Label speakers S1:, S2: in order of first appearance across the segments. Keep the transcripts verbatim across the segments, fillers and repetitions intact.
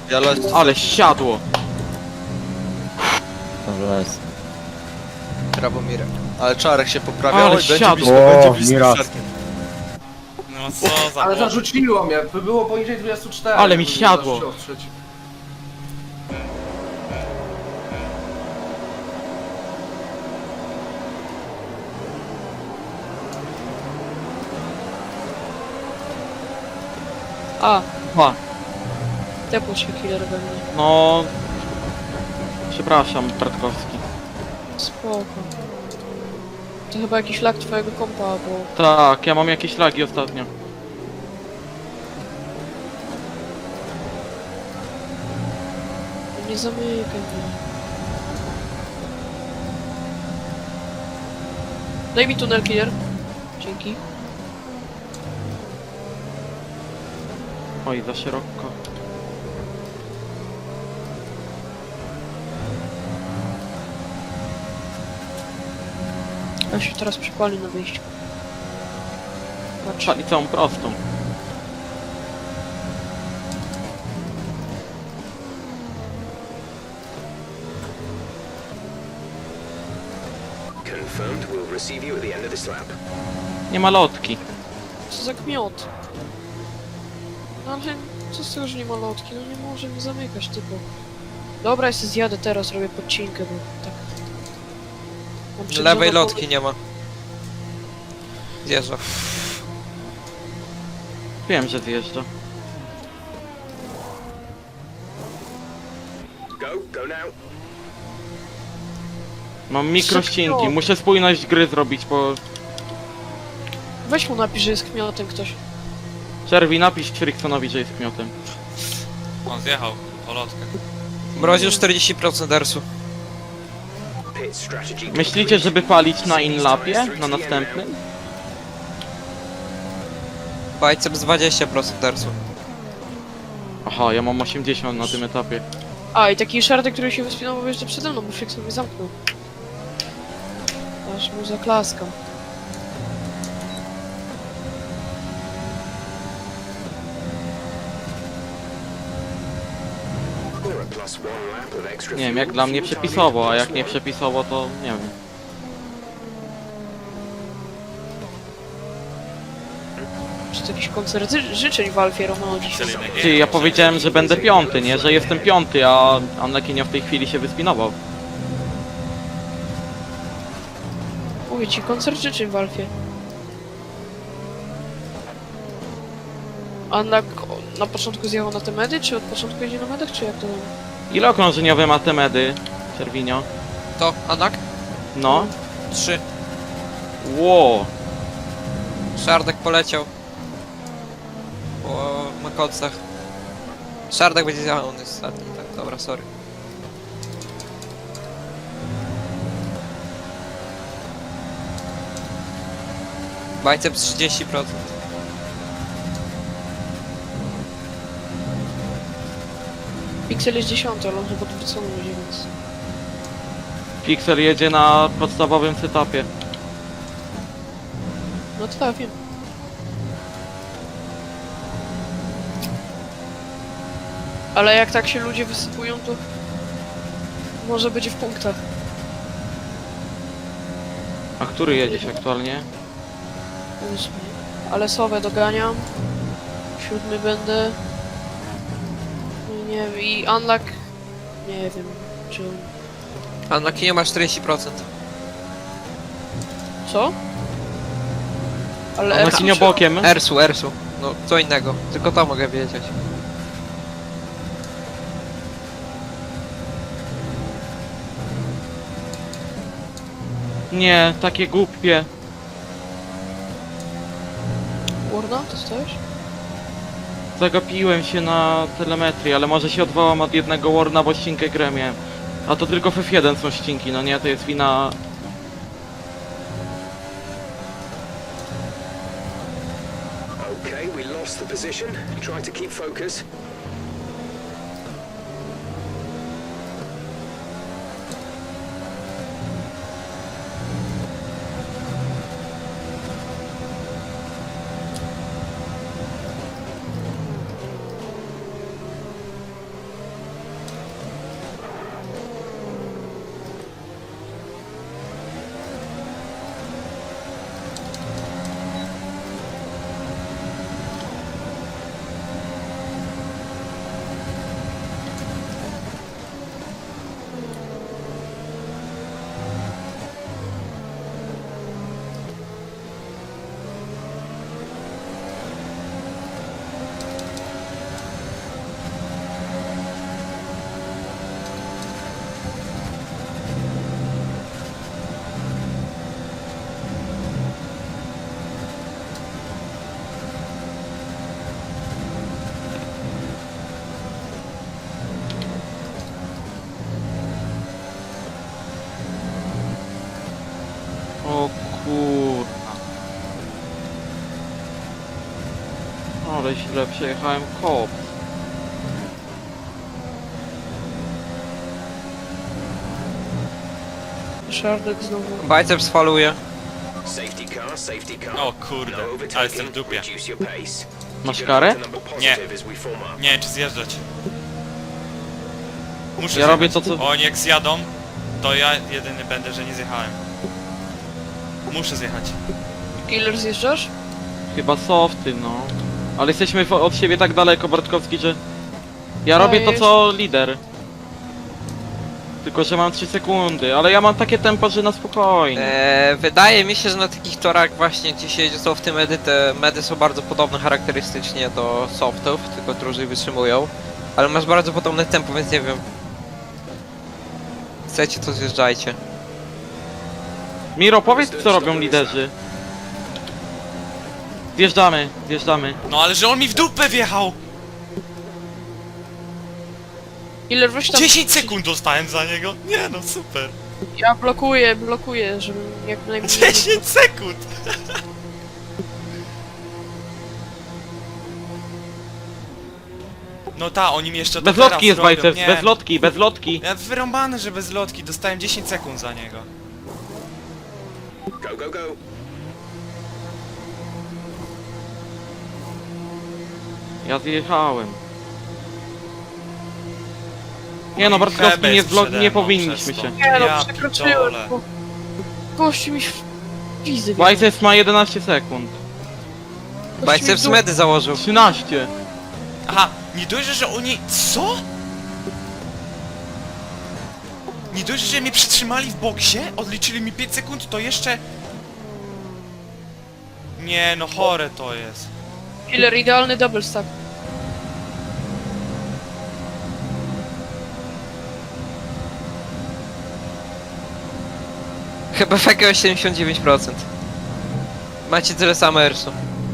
S1: Ja lecę.
S2: Ale siadło.
S3: Dobrze jest.
S1: Brawo Mirek. Ale Czarek się poprawia.
S2: Ale
S1: Oj, będzie
S2: siadło.
S1: blisko,
S3: O,
S1: będzie blisko
S3: Miras.
S1: Czarkiem.
S4: No co za
S5: Ale
S4: błąd.
S5: zarzuciło mnie, by było poniżej dwudziestu czterech.
S2: Ale mi
S5: bym
S2: siadło.
S5: zaczął ostrzeć.
S6: A,
S2: A,
S6: tepł się killer we mnie.
S2: no... Przepraszam, Bratkowski.
S6: Spoko. To chyba jakiś lag twojego kompa, bo...
S2: Tak, ja mam jakieś lagi ostatnio.
S6: Nie zamykaj mnie. Daj mi tunel killer. Dzięki.
S2: Oj, za szeroko.
S6: Ja się teraz przypali na wyjściu. Patrz.
S2: Szali całą prostą.
S7: Confirmed, we'll receive you at the end of this lap.
S2: Nie ma lotki.
S6: Co za gmiot. No ale co z tego, że nie ma lotki? No nie może mi zamykać typu. Dobra, ja się zjadę teraz, robię podcinkę, bo tak... Mam przed
S8: Lewej
S6: żoną
S8: lotki nie ma. Zjeżdża.
S2: Wiem, że zjeżdża.
S7: Go, go now.
S2: Mam mikrościnki, muszę spójność gry zrobić, bo...
S6: Weź mu napisz, że jest kmiotem ktoś.
S2: Czerwi, napisz Friksonowi, że jest kmiotem.
S4: On zjechał po lotkę.
S8: Mroził czterdzieści procent ersu.
S7: Pit strategy.
S2: Myślicie, żeby palić na inlapie? Na następnym?
S8: Biceps dwadzieścia procent ersu.
S2: Aha, ja mam osiemdziesiąt na tym etapie.
S6: A, i taki szardek, który się wyspinował jeszcze przede mną, bo Frikson mnie zamknął. Aż mu zaklaskam.
S7: Or a plus one lap of extra
S2: Nie wiem,
S7: fuel,
S2: jak dla mnie
S7: fuel
S2: przepisowo, a
S7: target
S2: jak
S7: plus
S2: nie
S7: one.
S2: przepisowo, to nie wiem.
S6: Czy to jakiś koncert ży- życzeń w Alfie Romeo dzisiaj?
S2: Ty, ja powiedziałem, że będę piąty, nie? Że jestem piąty, a Anlekinia w tej chwili się wyspinował.
S6: Mówię ci, koncert życzeń w Alfie. A na, na początku zjechał na te medy, czy od początku jedzie na medach, czy jak to tam?
S2: Ile okrążeniowe ma te medy, Czerwinio?
S8: To, Anak?
S2: No.
S8: Trzy.
S2: Ło.
S8: Szardek poleciał. Po makocach. Szardek będzie zjechał, on jest ostatni. Tak, dobra, sorry. Biceps trzydzieści procent.
S6: Pixel jest dziesiąty, ale on chyba odwrócony będzie, więc...
S2: Pixel jedzie na podstawowym setupie.
S6: No to tak, wiem. Ale jak tak się ludzie wysypują, to... Może będzie w punktach.
S2: A który jedziesz aktualnie?
S6: Ósmy. Ale Sowę doganiam. Siódmy będę. No nie wiem, i Unlock... Nie wiem, czy...
S8: Anak nie ma czterdzieści procent.
S6: Co? Ale...
S2: A Marcinio
S6: Ersu-
S2: bokiem?
S8: Ersu, Ersu. No, co innego. Tylko to mogę wiedzieć.
S2: Nie, takie głupie.
S6: Warna, to stoisz?
S2: Zagapiłem się na telemetrii, ale może się odwołam od jednego Warna, bo ścinkę grę miałem. A to tylko w F jeden są ścinki, no nie? To jest wina...
S7: Okay, we lost the position. Try to keep focus.
S2: Ale źle przejechałem kop.
S6: Szardek znowu.
S8: Biceps faluje.
S7: Safety car, safety car.
S4: O kurde,
S7: No
S4: ale
S7: overtaking.
S4: jestem w dupie.
S7: Reduce your pace.
S2: Masz
S7: Keep it
S2: karę?
S7: up to number positive as we form up.
S4: Nie wiem czy zjeżdżać. Muszę
S2: Ja
S4: zjechać.
S2: robię to, co-
S4: Oni jak zjadą, to ja jedyny będę, że nie zjechałem. Muszę zjechać.
S6: Killer zjeżdżasz?
S2: Chyba softy, no. Ale jesteśmy w- od siebie tak daleko, Bartkowski, że... Ja robię to, co lider. Tylko, że mam trzy sekundy, ale ja mam takie tempo, że na spokojnie.
S8: Eee, wydaje mi się, że na takich torach właśnie gdzie się jedzie softy medy, te medy są bardzo podobne charakterystycznie do softów, tylko dłużej wytrzymują. Ale masz bardzo podobne tempo, więc nie wiem. Chcecie, to zjeżdżajcie.
S2: Miro, powiedz, co robią liderzy. Zjeżdżamy, zjeżdżamy.
S4: No ale że on mi w dupę wjechał!
S6: Killer, weź tam...
S4: dziesięć sekund dostałem za niego. Nie no, super.
S6: Ja blokuję, blokuję, żebym jak najmniej...
S4: dziesięć sekund! No ta, oni mi jeszcze to
S2: Bez
S4: teraz
S2: lotki jest
S4: robią.
S2: biceps,
S4: Nie.
S2: bez lotki, bez lotki.
S4: Ja wyrąbany, że bez lotki, dostałem dziesięć sekund za niego.
S7: Go, go, go.
S2: Ja zjechałem. Nie no, Bartkowski,
S4: Hebe
S2: nie,
S4: jest
S2: zlo-
S4: przede
S2: nie
S4: mną
S2: powinniśmy
S4: przez to.
S2: się.
S6: Nie no,
S4: Ja
S6: przekroczyłem,
S4: pitole.
S6: bo... Gościu mi w wizy
S2: Biceps ma jedenaście sekund.
S8: Biceps medy założył.
S2: trzynaście.
S4: Aha, nie dość, że oni... Co? Nie dość, że mnie przytrzymali w boksie, odliczyli mi pięć sekund, to jeszcze... Nie no, chore to jest.
S6: Killer, idealny double stack.
S8: Chyba w jakiegoś siedemdziesiąt dziewięć procent. Macie tyle samo ersu.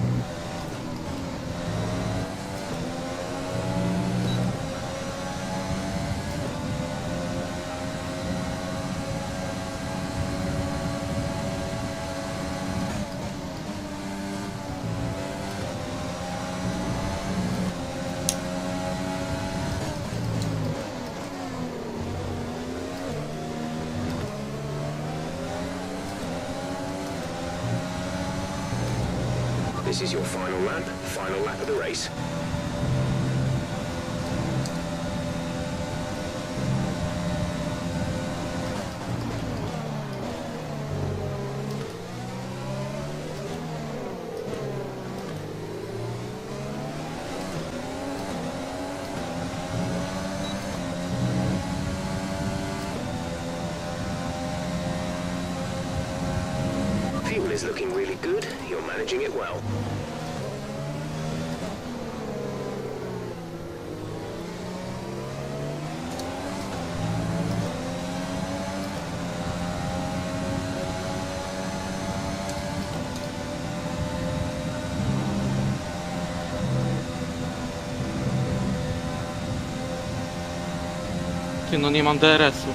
S7: This is your final lap. Final lap of the race. Fuel is looking really good. You're managing it well.
S2: Ty no, nie mam D R S-u.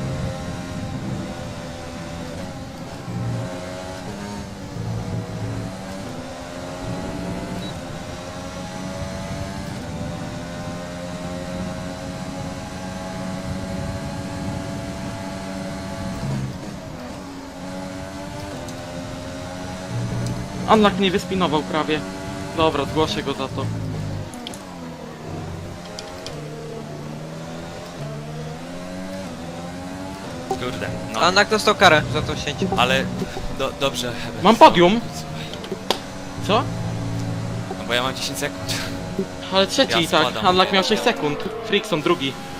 S2: Unlock mnie wyspinował prawie. Dobra, zgłoszę go za to.
S4: Kurde, no.
S8: A Nak dostał karę za to sięć.
S4: Ale... Do, dobrze, Heber.
S2: Mam podium. Co?
S4: No bo ja mam dziesięć sekund.
S2: Ale trzeci
S4: Ja
S2: i tak.
S4: spadam.
S2: Unlock miał sześć sekund. Frickson drugi.